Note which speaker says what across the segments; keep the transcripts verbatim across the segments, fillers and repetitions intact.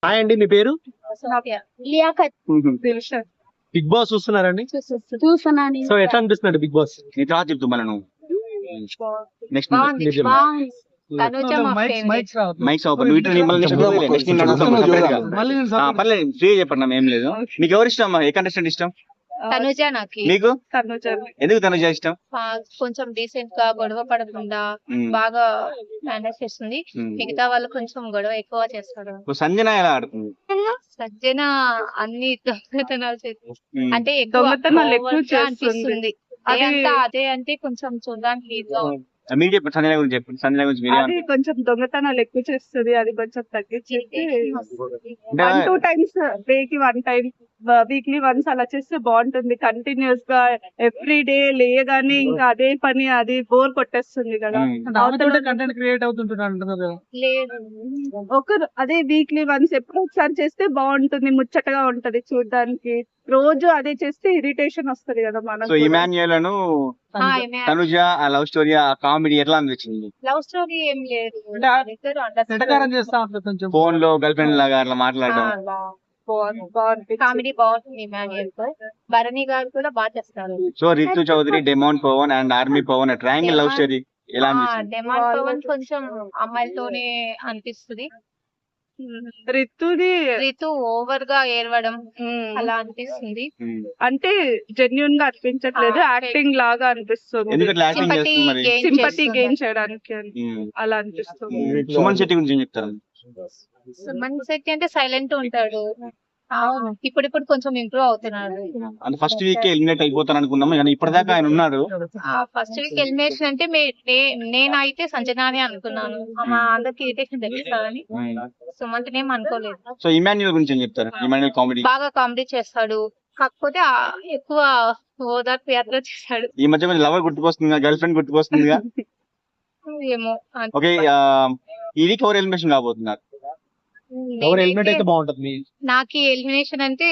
Speaker 1: Hi అండి, మీ పేరు? Big boss చూస్తున్నారండి?
Speaker 2: చూస్తున్నాను.
Speaker 1: సో ఎట్లా అనిపిస్తుంది బిగ్ బాస్?
Speaker 3: నీ తర్వాత చెప్తూ మనం నెక్స్ట్ మైక్స్ ఓపెన్ పర్లేదు ఫ్రీ చెప్పండి ఏం లేదు. మీకు ఎవరు ఇష్టం? ఏ కంటెస్టెంట్ ఇష్టం?
Speaker 2: తనుజ. నాకు
Speaker 3: మీకు ఎందుకు తనుజ ఇష్టం?
Speaker 2: కొంచెం డీసెంట్ గా గొడవ పడకుండా బాగా మేనేజ్ చేస్తుంది. మిగతా వాళ్ళు కొంచెం గొడవ ఎక్కువ చేస్తారు.
Speaker 3: సంజన ఎలా ఆడుతుంది?
Speaker 2: సజ్జన అన్ని దొంగతనాలు చేస్తుంది. అంటే దొంగతనాలు ఎక్కువ అనిపిస్తుంది. అదంతా అదే అంటే కొంచెం చూడడానికి
Speaker 3: మీరు చెప్పండి సంజన గురించి చెప్పండి. సంజన గురించి మీరు
Speaker 4: అది కొంచెం దొంగతనాలు ఎక్కువ చేస్తుంది. అది కొంచెం తగ్గించేసి వన్ టూ టైమ్స్ డే కి వన్ టైం వీక్లీ వన్స్ అలా చేస్తే బాగుంటుంది. కంటిన్యూస్ గా ఎవ్రీ డే లేయగానే ఇంకా అదే పని, అది బోర్ కొట్టేస్తుంది కదా.
Speaker 1: కంటెంట్ క్రియేట్ అవుతుంటున్నారు.
Speaker 4: ఒక అదే వీక్లీ వన్స్ ఎప్పుడు ఒకసారి చేస్తే బాగుంటుంది, ముచ్చటగా ఉంటది చూడడానికి. రోజు అదే చేస్తే ఇరిటేషన్ వస్తది కదా మనకు.
Speaker 3: సో ఇమాన్యుయల్ అను తనుజ ఆ లవ్ స్టోరీ, ఆ కామెడీ ఎట్లా అనిపించింది?
Speaker 2: లవ్ స్టోరీ ఏం లేదు,
Speaker 3: ఫోన్ లో గర్ల్ ఫ్రెండ్ లాగా అట్లా మాట్లాడడం
Speaker 2: కామెడీ బాగుంటుంది. ఇమాన్యుయల్ తో భరణి గారు కూడా బాగా చేస్తారు.
Speaker 3: So Ritu Chaudhary, demon Pavan and army Pavan triangle love story ఎలా అనిపించింది?
Speaker 2: డెమాన్ పవన్ కొంచెం అమ్మాయిలతోనే అనిపిస్తుంది.
Speaker 4: రితుది
Speaker 2: రితు ఓవర్ గా ఏడవడం అలా అనిపిస్తుంది.
Speaker 4: అంటే జెన్యున్ గా అనిపించట్లేదు, యాక్టింగ్ లాగా అనిపిస్తుంది.
Speaker 3: ఎందుకంటే యాక్టింగ్ చేస్తుంది మరి
Speaker 4: సింపతి గెయిన్ చేయడానికి అలా అనిపిస్తుంది.
Speaker 3: సుమన్ శెట్టి గురించి ఏం చెప్తారు?
Speaker 2: సుమన్ శెట్టి అంటే సైలెంట్ ఉంటాడు. ఇప్పుడు ఇప్పుడు కొంచెం ఇంప్రూవ్ అవుతున్నాడు.
Speaker 3: అంటే ఫస్ట్ వీక్ ఎలిమినేట్ అయిపోతాను అనుకున్నాము, కానీ ఇప్పటిదాకా ఆయన ఉన్నాడు.
Speaker 2: ఫస్ట్ వీక్ ఎలిమినేషన్ అంటే నేనైతే సంజనానే అనుకున్నాను. మా అందరికి ఇరిటేషన్ తెప్పిస్తారని. సుమంత్ నేమ్ అనుకోలేదు.
Speaker 3: సో ఇమాన్యుయల్ గురించి ఏం చెప్తారు? ఇమాన్యుయల్ కామెడీ
Speaker 2: బాగా కామెడీ చేస్తాడు, కాకపోతే ఎక్కువ ఓదార్పు యాత్ర చేశాడు.
Speaker 3: ఈ మధ్య కొంచెం లవర్ గుర్తుకొస్తుంది, గర్ల్ ఫ్రెండ్ గుర్తుకొస్తుందిగా.
Speaker 2: ఏమో.
Speaker 3: ఓకే, ఈ వీక్ ఎవరు ఎలిమినేషన్ కాబోతున్నారు?
Speaker 1: ఎవరు ఎలిమినేట్ అయితే బాగుంటుంది?
Speaker 2: నాకు ఎలిమినేషన్ అంటే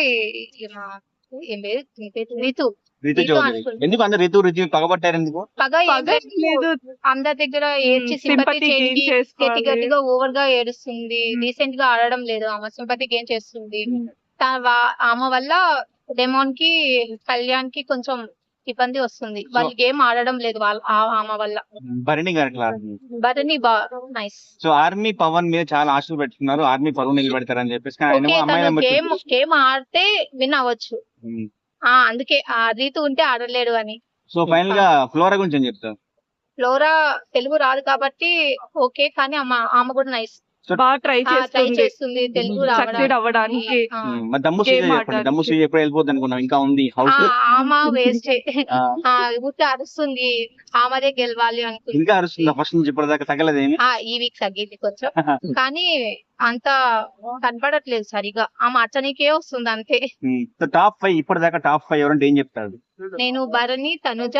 Speaker 2: ఏం లేదు, రితు
Speaker 3: రితు చౌదరి. ఎందుకు అందరు రితు రితు పగబట్టారు? ఎందుకు
Speaker 2: పగ లేదు, అందరి దగ్గర ఏడ్చి సింపతి గట్టి గట్టిగా ఓవర్ గా ఏడుస్తుంది. రీసెంట్ గా ఆడడం లేదు, ఆమె సింపతి గెయిన్ చేస్తుంది. ఆమె వల్ల డెమోన్ కి, కళ్యాణ్ కి కొంచెం ఇబ్బంది వస్తుంది. వాళ్ళు గేమ్ ఆడడం లేదు వాళ్ళ ఆమె వల్ల.
Speaker 3: భరణి గారు
Speaker 2: భరణి బా నైస్.
Speaker 3: సో ఆర్మీ పవన్ మీద చాలా ఆశలు పెట్టుకున్నారు, ఆర్మీ పరువు నిలబెడతారని చెప్పేసి.
Speaker 2: గేమ్ గేమ్ ఆడితే విన్ అవ్వచ్చు, అందుకే ఆ రీతు ఉంటే ఆడలేడు అని.
Speaker 3: సో ఫైనల్ గా ఫ్లోరా గురించి ఏం చెప్తారు?
Speaker 2: ఫ్లోరా తెలుగు రాదు కాబట్టి ఓకే, కానీ ఆమె కూడా నైస్,
Speaker 4: బాగా ట్రై
Speaker 2: చేస్తుంది తెలుగు
Speaker 4: సక్సీడ్ అవ్వడానికి.
Speaker 3: దమ్ము దమ్ము ఎప్పుడు వెళ్ళిపోద్ది అనుకున్నాం, ఇంకా ఉంది హౌస్.
Speaker 2: ఆమె వేస్ట్ ఊరికే అరుస్తుంది, ఆమెదే గెలవాలి అనుకుంది.
Speaker 3: ఇంకా అరుస్తుంది ఫస్ట్ నుంచి ఇప్పటిదాకా తగ్గలేదేమి.
Speaker 2: ఈ వీక్ తగ్గింది కొంచెం, కానీ అంత కనపడట్లేదు సరిగా. ఆమె అచ్చనికే వస్తుంది అంతే.
Speaker 3: టాప్ ఫైవ్ ఇప్పటిదాకా టాప్ ఫైవ్ ఎవరంటే ఏం చెప్తాడు?
Speaker 2: నేను భరణి, తనుజ,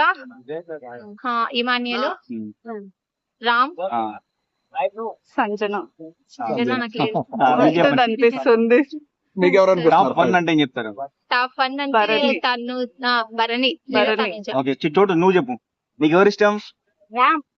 Speaker 2: ఇమాన్యుయల్, రామ్,
Speaker 4: సంజన
Speaker 3: అనిపిస్తుంది. టాప్ వన్ అంటే ఏం చెప్తారు?
Speaker 2: టాప్ వన్ అంటే తను భరణి.
Speaker 3: ఓకే చోటు నువ్వు చెప్పు, నీకు ఎవరు ఇష్టం?